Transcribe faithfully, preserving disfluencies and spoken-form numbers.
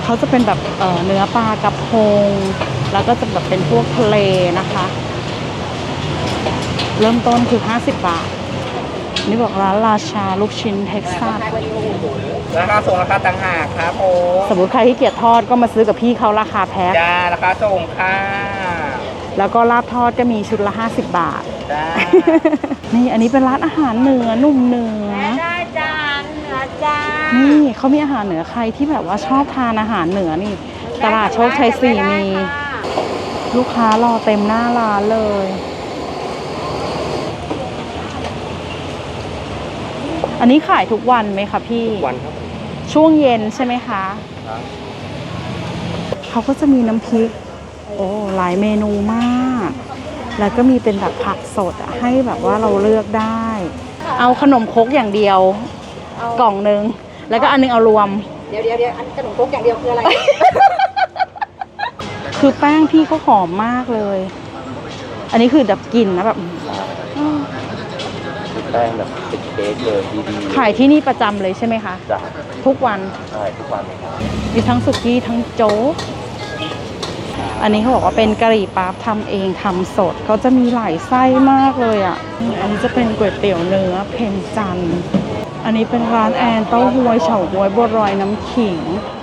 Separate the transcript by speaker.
Speaker 1: เขาจะเป็นแบบเเนื้อปลากระพงแล้วก็จะแบบเป็นพวกทะเลนะคะเริ่มต้นคือห้าสิบบาทนี่บอกร้านราชาลูกชิ้นเท็กซัส
Speaker 2: ราคาส่งราคาต่างหากครับโอ้
Speaker 1: สมมติใครที่เกียจทอดก็มาซื้อกับพี่เขาราคาแพ็ค
Speaker 2: จ้าราคาส่งค่ะ
Speaker 1: แล้วก็ลาบทอดก็มีชุดละห้าสิบบาท
Speaker 2: จ้า
Speaker 1: นี่อันนี้เป็นร้านอาหารเหนือหนุ่มเหนือ
Speaker 3: ได้จานเหนือจ้า
Speaker 1: นี่เขามีอาหารเหนือใครที่แบบว่าชอบทานอาหารเหนือนี่ตลาดโชคชัยสี่มีลูกค้ารอเต็มหน้าร้านเลยอันนี้ขายทุกวันไหมคะพี่
Speaker 2: ทุกวันครับ
Speaker 1: ช่วงเย็นใช่ไหมคะเขาก็จะมีน้ำพริกโอ้หลายเมนูมากแล้วก็มีเป็นแบบผักสดให้แบบว่าเราเลือกได้เอาขนมครกอย่างเดียวกล่องนึงแล้วก็อันนึงเอารวม
Speaker 3: เดี๋ยวเดี๋ยวเดี๋ยวอันขนมครกอย่างเดียวคืออะไร
Speaker 1: คือแป้งพี่เขาหอมมากเลยอันนี้คือแบบกลิ่นนะแบบ
Speaker 2: แป้งแบบเป็นเค้กเลยดีๆ
Speaker 1: ขายที่นี่ประจำเลยใช่ไหมคะ
Speaker 2: จ้ะ
Speaker 1: ทุกวัน
Speaker 2: ใช่ทุกวันเลยครับ
Speaker 1: มีทั้งสุกี้ทั้งโจ๊กอันนี้เขาบอกว่าเป็นกะหรี่ปั๊บทำเองทำสดเขาจะมีหลายไส้มากเลยอ่ะอันนี้จะเป็นก๋วยเตี๋ยวเนื้อเพ็ญจันทร์อันนี้เป็นร้านแอนเต้าหวยเฉาก๊วยบัวลอยน้ำขิง